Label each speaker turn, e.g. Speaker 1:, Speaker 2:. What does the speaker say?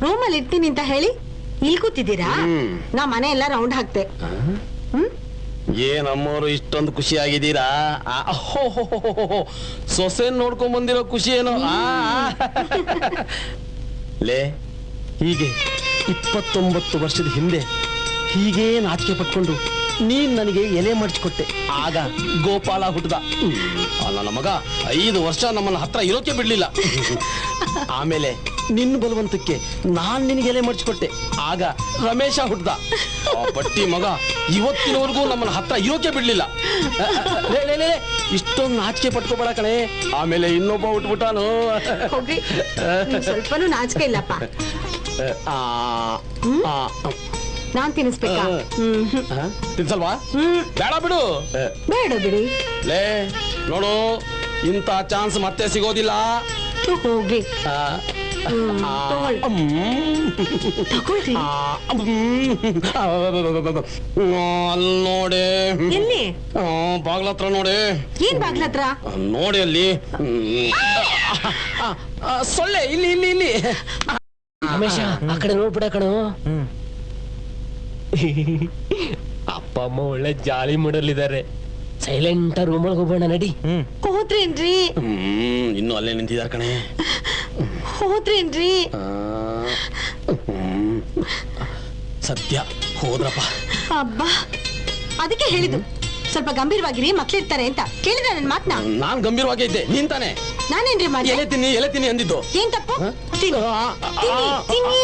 Speaker 1: ರೂಮಲ್ಲಿ ಇರ್ತೀನಿ ಅಂತ ಹೇಳಿ ಇಲ್ಲಿ ಕೂತಿದ್ದೀರಾ? ನಾ ಮನೆ ಎಲ್ಲ ರೌಂಡ್ ಹಾಕ್ತೆ.
Speaker 2: ಏನಮ್ಮೋರು ಇಷ್ಟೊಂದು ಖುಷಿ ಆಗಿದ್ದೀರಾ? ಸೊಸೆ ನೋಡ್ಕೊಂಡ್ ಬಂದಿರೋ ಖುಷಿ ಏನೋ. ಲೇ, ಹೀಗೆ 29 ವರ್ಷದ ಹಿಂದೆ ಹೀಗೆ ನಾಚಿಕೆ ಪಟ್ಕೊಂಡು ನೀನ್ ನನಗೆ ಎಲೆ ಮಡಚಿಕೊಟ್ಟೆ. ಆಗ ಗೋಪಾಲ ಹುಟ್ಟದ. ನನ್ನ ಮಗ 5 ವರ್ಷ ನಮ್ಮನ್ನ ಹತ್ರ ಇರೋಕೆ ಬಿಡ್ಲಿಲ್ಲ. ಆಮೇಲೆ ನಿನ್ನ ಬಲವಂತಕ್ಕೆ ನಾನ್ ನಿನಗೆ ಎಲೆ ಮಡಚಿಕೊಟ್ಟೆ. ಆಗ ರಮೇಶ ಹುಟ್ಟದ. ಆ ಬಟ್ಟಿ ಮಗ ಇವತ್ತಿನವರೆಗೂ ನಮ್ಮನ್ನ ಹತ್ರ ಇರೋಕೆ ಬಿಡ್ಲಿಲ್ಲ. ಇಷ್ಟೊಂದು ನಾಚಿಕೆ ಪಟ್ಕೋಬೇಡ ಕಣೆ. ಆಮೇಲೆ ಇನ್ನೊಬ್ಬ ಹುಟ್ಬಿಟ್ಟಾನು.
Speaker 1: ಹೋಗ್ರಿ, ಸ್ವಲ್ಪನೂ ನಾಚಿಕೆ ಇಲ್ಲಪ್ಪ. ನಾನ್ ತಿನ್ನಿಸ್ಬೇಕಾ?
Speaker 2: ತಿನ್ಸಲ್ವಾ? ಬೇಡ ಬಿಡು.
Speaker 1: ಬೇಡ ಬಿಡಿ.
Speaker 2: ಲೇ ನೋಡು, ಇಂಥ ಚಾನ್ಸ್ ಮತ್ತೆ ಸಿಗೋದಿಲ್ಲ.
Speaker 1: ಹೋಗಿ
Speaker 2: ಅಲ್ಲಿ ನೋಡಿ,
Speaker 1: ಎಲ್ಲಿ?
Speaker 2: ಬಾಗ್ಲತ್ರ ನೋಡಿ.
Speaker 1: ಏನ್ ಬಾಗ್ಲತ್ರ?
Speaker 2: ನೋಡಿ ಅಲ್ಲಿ ಸೊಳ್ಳೆ. ಇಲ್ಲಿ ಇಲ್ಲಿ ಇಲ್ಲಿ.
Speaker 3: ರಮೇಶ, ಆ ಕಡೆ ನೋಡ್ಬಿಡ ಕಣೋ. ಅಪ್ಪ ಅಮ್ಮ ಒಳ್ಳೆ ಜಾಲಿ ಮೂಡಲ್ಲಿದ್ದಾರೆ. ಸೈಲೆಂಟ್ ರೂಮ್ ಒಳಗೆ ಹೋಗೋಣ ನಡಿ.
Speaker 1: ಹೋದ್ರೇನ್ರಿ?
Speaker 2: ಇನ್ನು ಅಲ್ಲೇ ನಿಂತಿದಾರ ಕಣೆ.
Speaker 1: ಹೋದ್ರೇನ್ರಿ?
Speaker 2: ಸದ್ಯ ಹೋದ್ರಪ್ಪ.
Speaker 1: ಅಬ್ಬಾ, ಅದಕ್ಕೆ ಹೇಳಿದ್ದು ಸ್ವಲ್ಪ ಗಂಭೀರವಾಗಿರಿ, ಮಕ್ಳಿರ್ತಾರೆ ಅಂತ. ಕೇಳಿದ ನನ್ ಮಾತ್ನ?
Speaker 2: ನಾನ್ ಗಂಭೀರವಾಗೇ ಇದ್ದೆ. ನೀನ್ ತಾನೆ
Speaker 1: ನಾನೇನ್ರಿ ಮಾಡಿ
Speaker 2: ಎಲೆ ತಿನ್ನಿ ಅಂದಿದ್ದು.
Speaker 1: ಏನ್ ತಪ್ಪು? ತಿನ್ನಿ, ತಿನ್ನಿ.